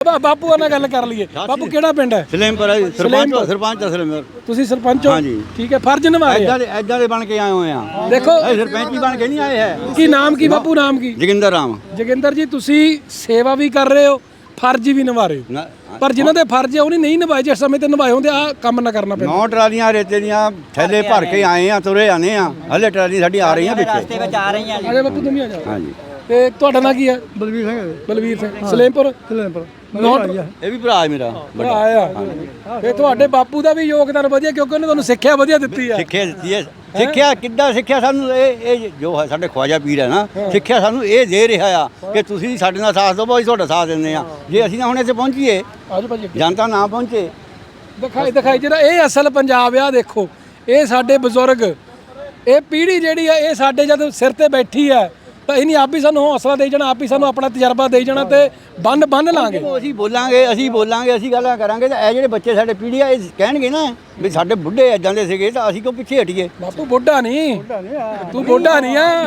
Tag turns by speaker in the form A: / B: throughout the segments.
A: ਬਾਪੂ ਨਾਲ ਗੱਲ ਕਰ ਲਈਏ। ਬਾਪੂ ਕਿਹੜਾ ਪਿੰਡ ਹੈ?
B: ਸਲੇਮਪੁਰ ਸਰਪੰਚ ਸਲੇਮਪੁਰ।
A: ਤੁਸੀਂ ਸਰਪੰਚ ਹੋ?
B: ਹਾਂਜੀ
A: ਠੀਕ ਹੈ। ਫਰਜ਼ ਨਿਭਾਏ
B: ਐਦਾਂ ਦੇ ਬਣ ਕੇ ਆਏ ਹੋਏ ਆ।
A: ਦੇਖੋ
B: ਸਰਪੰਚ ਵੀ ਬਣ ਕੇ ਨਹੀਂ ਆਏ ਹੈ।
A: ਕੀ ਨਾਮ ਕੀ ਬਾਪੂ? ਨਾਮ ਕੀ?
B: ਜੋਗਿੰਦਰ ਰਾਮ।
A: ਜੋਗਿੰਦਰ ਜੀ ਤੁਸੀਂ ਸੇਵਾ ਵੀ ਕਰ ਰਹੇ ਹੋ, ਫਰਜ਼ ਵੀ ਨਿਭਾ ਰਹੇ ਹੋ, ਪਰ ਜਿਨ੍ਹਾਂ ਦੇ ਫਰਜ਼ ਆ ਉਹਨੇ ਨਹੀਂ ਨਿਭਾਏ, ਜਿਸ ਸਮੇਂ ਤੇ ਨਿਭਾਏ ਹੁੰਦੇ ਆ ਕੰਮ ਨਾ ਕਰਨਾ ਪੈਂਦਾ।
B: 9 ਟਰਾਲੀਆਂ ਰੇਤੇ ਦੀਆਂ ਥੈਲੇ ਭਰ ਕੇ ਆਏ ਆ, ਤੁਰੇ ਆਨੇ ਆ। ਹਲੇ ਟਰਾਲੀ ਸਾਡੀ ਆ ਰਹੀਆਂ ਪਿੱਛੇ।
C: ਰਸਤੇ ਵਿੱਚ ਆ ਰਹੀਆਂ ਜੀ।
A: ਅਜੇ ਬਾਪੂ ਤੁਸੀਂ ਆ ਜਾਓ।
B: ਹਾਂਜੀ।
A: ਤੇ ਤੁਹਾਡਾ ਨਾਂ ਕੀ ਹੈ?
D: ਬਲਵੀਰ ਸਿੰਘ।
A: ਬਲਵੀਰ ਸਿੰਘ। ਸਲੇਮਪੁਰ।
B: ਇਹ ਵੀ ਭਰਾ ਹੈ ਮੇਰਾ।
A: ਭਰਾ ਆ। ਤੇ ਤੁਹਾਡੇ ਬਾਪੂ ਦਾ ਵੀ ਯੋਗਦਾਨ ਵਧੀਆ, ਕਿਉਂਕਿ ਉਹਨੇ ਤੁਹਾਨੂੰ ਸਿੱਖਿਆ ਵਧੀਆ ਦਿੱਤੀ ਆ।
B: ਸਿੱਖਿਆ ਦਿੱਤੀ ਹੈ। ਸਿੱਖਿਆ ਕਿੱਦਾਂ ਸਿੱਖਿਆ ਸਾਨੂੰ? ਇਹ ਜੋ ਹੈ ਸਾਡੇ ਖਵਾਜਾ ਪੀਰ ਹੈ ਨਾ, ਸਿੱਖਿਆ ਸਾਨੂੰ ਇਹ ਦੇ ਰਿਹਾ ਆ ਕਿ ਤੁਸੀਂ ਸਾਡੇ ਨਾਲ ਸਾਥ ਦਿਓ, ਅਸੀਂ ਤੁਹਾਡਾ ਸਾਥ ਦਿੰਦੇ ਆ। ਜੇ ਅਸੀਂ ਨਾ ਹੁਣ ਇੱਥੇ ਪਹੁੰਚੀਏ,
A: ਆਜੋ ਭਾਜੀ
B: ਜਨਤਾ ਨਾ ਪਹੁੰਚੇ।
A: ਦਿਖਾਈ ਜਿਹੜਾ ਇਹ ਅਸਲ ਪੰਜਾਬ ਆ। ਦੇਖੋ ਇਹ ਸਾਡੇ ਬਜ਼ੁਰਗ, ਇਹ ਪੀੜ੍ਹੀ ਜਿਹੜੀ ਆ, ਇਹ ਸਾਡੇ ਜਦ ਸਿਰ ਤੇ ਬੈਠੀ ਆ ਤਾਂ ਇਹਨੇ ਆਪ ਹੀ ਸਾਨੂੰ ਹੌਸਲਾ ਦੇ ਜਾਣਾ, ਆਪ ਹੀ ਸਾਨੂੰ ਆਪਣਾ ਤਜਰਬਾ ਦੇ ਜਾਣਾ ਤੇ ਬੰਨ ਲਾਂਗੇ।
B: ਅਸੀਂ ਬੋਲਾਂਗੇ, ਅਸੀਂ ਗੱਲਾਂ ਕਰਾਂਗੇ ਤਾਂ ਇਹ ਜਿਹੜੇ ਬੱਚੇ ਸਾਡੇ ਪੀੜ੍ਹੀ ਆ, ਇਹ ਕਹਿਣਗੇ ਨਾ ਵੀ ਸਾਡੇ ਬੁੱਢੇ ਇਦਾਂ ਦੇ ਸੀਗੇ ਤਾਂ ਅਸੀਂ ਕਿਉਂ ਪਿੱਛੇ ਹਟੀਏ।
A: ਬਾਪੂ ਬੁੱਢਾ ਨਹੀਂ, ਤੂੰ ਬੁੱਢਾ ਨਹੀਂ ਆ।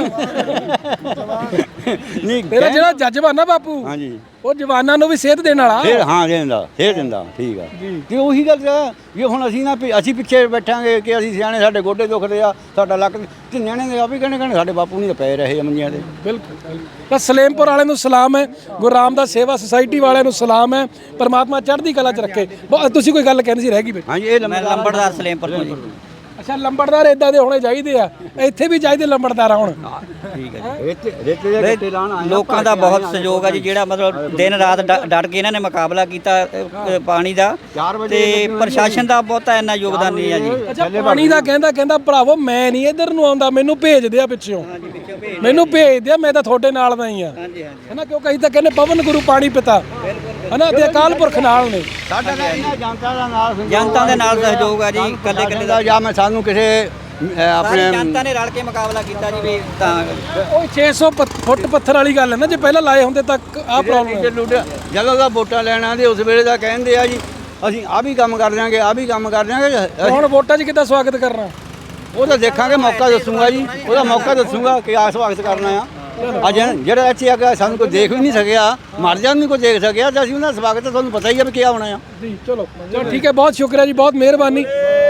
B: ਨਹੀਂ
A: ਤੇਰਾ ਜਿਹੜਾ ਜਜ਼ਬਾ ਨਾ ਬਾਪੂ,
B: ਹਾਂਜੀ,
A: ਉਹ ਜਵਾਨਾਂ ਨੂੰ ਵੀ ਸੇਧ ਦੇਣ ਵਾਲਾ।
B: ਫੇਰ ਹਾਂ ਦਿੰਦਾ ਠੀਕ ਆ। ਤੇ ਉਹੀ ਗੱਲ ਆ ਵੀ ਹੁਣ ਅਸੀਂ ਨਾ ਅਸੀਂ ਪਿੱਛੇ ਬੈਠਾਂਗੇ ਕਿ ਅਸੀਂ ਸਿਆਣੇ, ਸਾਡੇ ਗੋਡੇ ਦੁਖਦੇ ਆ, ਸਾਡਾ ਲੱਕ, ਤੇ ਨਿਆਣੇ ਦੇ ਆ ਵੀ ਕਹਿੰਦੇ ਸਾਡੇ ਬਾਪੂ ਨਹੀਂ ਪਏ ਰਹੇ ਮੰਜੀਆਂ ਤੇ।
A: ਬਿਲਕੁਲ। ਤਾਂ ਸਲੇਮਪੁਰ ਵਾਲਿਆਂ ਨੂੰ ਸਲਾਮ ਹੈ, ਗੁਰੂ ਰਾਮਦਾਸ ਸੇਵਾ ਸੁਸਾਇਟੀ ਵਾਲਿਆਂ ਨੂੰ ਸਲਾਮ ਹੈ, ਪਰਮਾਤਮਾ ਚੜ੍ਹਦੀ ਕਲਾ 'ਚ ਰੱਖੇ। ਤੁਸੀਂ ਕੋਈ ਗੱਲ ਕਹਿੰਦੇ ਸੀ, ਰਹਿ ਗਈ ਬਈ।
B: ਹਾਂਜੀ, ਇਹ
C: ਲੰਬੜਦਾਰ ਸਲੇਮਪੁਰ ਤੋਂ ਜੀ।
A: ਅੱਛਾ, ਲੰਬੜਦਾਰ ਇਦਾਂ ਦੇ ਹੋਣੇ ਚਾਹੀਦੇ ਆ, ਇੱਥੇ ਵੀ ਚਾਹੀਦੇ ਲੰਬੜਦਾਰ ਹੁਣ।
B: ਠੀਕ ਹੈ ਜੀ।
C: ਲੋਕਾਂ ਦਾ ਬਹੁਤ ਸਹਿਯੋਗ ਆ ਜੀ, ਜਿਹੜਾ ਮਤਲਬ ਦਿਨ ਰਾਤ ਡਟ ਕੇ ਇਹਨਾਂ ਨੇ ਮੁਕਾਬਲਾ ਕੀਤਾ ਪਾਣੀ ਦਾ, ਤੇ ਪ੍ਰਸ਼ਾਸਨ ਦਾ ਬਹੁਤਾ ਇੰਨਾ ਯੋਗਦਾਨ ਨਹੀਂ ਆ ਜੀ।
A: ਅੱਛਾ, ਪਾਣੀ ਦਾ ਕਹਿੰਦਾ ਭਰਾਵੋ ਮੈਂ ਨਹੀਂ ਇੱਧਰ ਨੂੰ ਆਉਂਦਾ, ਮੈਨੂੰ ਭੇਜ ਦਿਆ ਪਿੱਛੋਂ, ਮੈਨੂੰ ਭੇਜ ਦਿਆ, ਮੈਂ ਤਾਂ ਤੁਹਾਡੇ ਨਾਲ ਦਾ ਹੀ ਆ, ਹੈਨਾ। ਕਿਉਂਕਿ ਅਸੀਂ ਤਾਂ ਕਹਿੰਦੇ ਪਵਨ ਗੁਰੂ ਪਾਣੀ ਪਿਤਾ, ਹੈਨਾ, ਤੇ ਅਕਾਲ ਪੁਰਖ ਨਾਲ ਨੇ।
B: ਸਾਡਾ ਇਹਨਾਂ
C: ਜਨਤਾ ਦੇ ਨਾਲ ਸਹਿਯੋਗ ਆ ਜੀ। ਕੱਲੇ
B: ਦਾ ਜਾਂ ਮੈਂ ਸਾਨੂੰ ਕਿਸੇ ਆਪਣੇ
C: ਜਨਤਾ ਨੇ ਰਲ ਕੇ ਮੁਕਾਬਲਾ ਕੀਤਾ ਜੀ ਵੀ ਤਾਂ।
A: ਉਹ 600 ਫੁੱਟ ਪੱਥਰ ਵਾਲੀ ਗੱਲ ਹੈ ਨਾ, ਜੇ ਪਹਿਲਾਂ ਲਾਏ ਹੁੰਦੇ ਤਾਂ ਆਹ ਪ੍ਰੋਬਲਮ।
B: ਜਦੋਂ ਦਾ ਵੋਟਾਂ ਲੈਣਾ ਦੇ ਉਸ ਵੇਲੇ ਦਾ ਕਹਿੰਦੇ ਆ ਜੀ ਅਸੀਂ ਆਹ ਵੀ ਕੰਮ ਕਰ ਦਿਆਂਗੇ, ਆਹ ਵੀ ਕੰਮ ਕਰ ਦਿਆਂਗੇ।
A: ਹੁਣ ਵੋਟਾਂ 'ਚ ਕਿੱਦਾਂ ਸਵਾਗਤ ਕਰਨਾ?
B: ਉਹ ਤਾਂ ਦੇਖਾਂਗੇ, ਮੌਕਾ ਦੱਸੂਗਾ ਜੀ, ਉਹਦਾ ਮੌਕਾ ਦੱਸੂਗਾ ਕਿ ਆ ਸਵਾਗਤ ਕਰਨਾ ਆ। ਅੱਜ ਜਿਹੜਾ ਇੱਥੇ ਆ ਕੇ ਸਾਨੂੰ ਕੋਈ ਦੇਖ ਵੀ ਨਹੀਂ ਸਕਿਆ, ਮਰ ਜਾਣ ਨਹੀਂ ਕੋਈ ਦੇਖ ਸਕਿਆ, ਤਾਂ ਅਸੀਂ ਉਹਨਾਂ ਦਾ ਸਵਾਗਤ ਤੁਹਾਨੂੰ ਪਤਾ ਹੀ ਆ ਵੀ ਕੀ ਹੋਣਾ ਆ
A: ਜੀ। ਚਲੋ ਠੀਕ ਹੈ, ਬਹੁਤ ਸ਼ੁਕਰੀਆ ਜੀ, ਬਹੁਤ ਮਿਹਰਬਾਨੀ।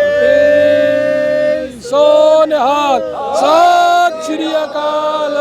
A: ਸੋ ਨਿਹਾਲ, ਸਤਿ ਸ਼੍ਰੀ ਅਕਾਲ,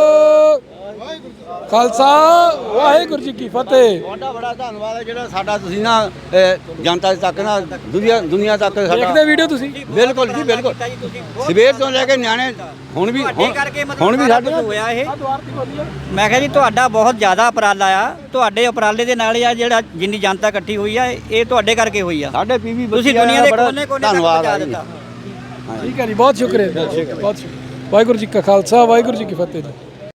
A: ਖਾਲਸਾ ਵਾਹਿਗੁਰੂ ਜੀ ਕੀ ਫਤਿਹ।
B: ਤੁਹਾਡਾ ਬੜਾ ਧੰਨਵਾਦ ਹੈ ਜਿਹੜਾ ਸਾਡਾ ਤੁਸੀਂ ਨਾ ਜਨਤਾ ਤੱਕ ਨਾ ਦੁਨੀਆ ਤੱਕ ਸਾਡਾ
A: ਦੇਖਦੇ ਵੀਡੀਓ ਤੁਸੀਂ।
B: ਬਿਲਕੁਲ ਜੀ, ਬਿਲਕੁਲ। ਸਵੇਰ ਤੋਂ ਲੈ ਕੇ ਨਿਆਣੇ ਹੁਣ ਵੀ ਸਾਡੇ
C: ਹੋਇਆ ਇਹ। ਮੈਂ ਕਿਹਾ ਜੀ ਤੁਹਾਡਾ ਬਹੁਤ ਜ਼ਿਆਦਾ ਉਪਰਾਲਾ ਆ, ਤੁਹਾਡੇ ਉਪਰਾਲੇ ਦੇ ਨਾਲ ਆ ਜਿਹੜਾ ਜਿੰਨੀ ਜਨਤਾ ਇਕੱਠੀ ਹੋਈ ਆ, ਇਹ ਤੁਹਾਡੇ ਕਰਕੇ ਹੋਈ ਆ।
B: ਸਾਡੇ ਪੀਵੀ
C: ਤੁਸੀਂ ਦੁਨੀਆ ਦੇ ਕੋਨੇ-ਕੋਨੇ ਤੱਕ ਪਹੁੰਚਾ ਦਿੱਤਾ।
A: ਠੀਕ ਹੈ ਜੀ, ਬਹੁਤ ਸ਼ੁਕਰੀਆ, ਬਹੁਤ ਸ਼ੁਕਰੀਆ। ਵਾਹਿਗੁਰੂ ਜੀ ਕਾ ਖਾਲਸਾ, ਵਾਹਿਗੁਰੂ ਜੀ ਕੀ ਫਤਿਹ ਜੀ।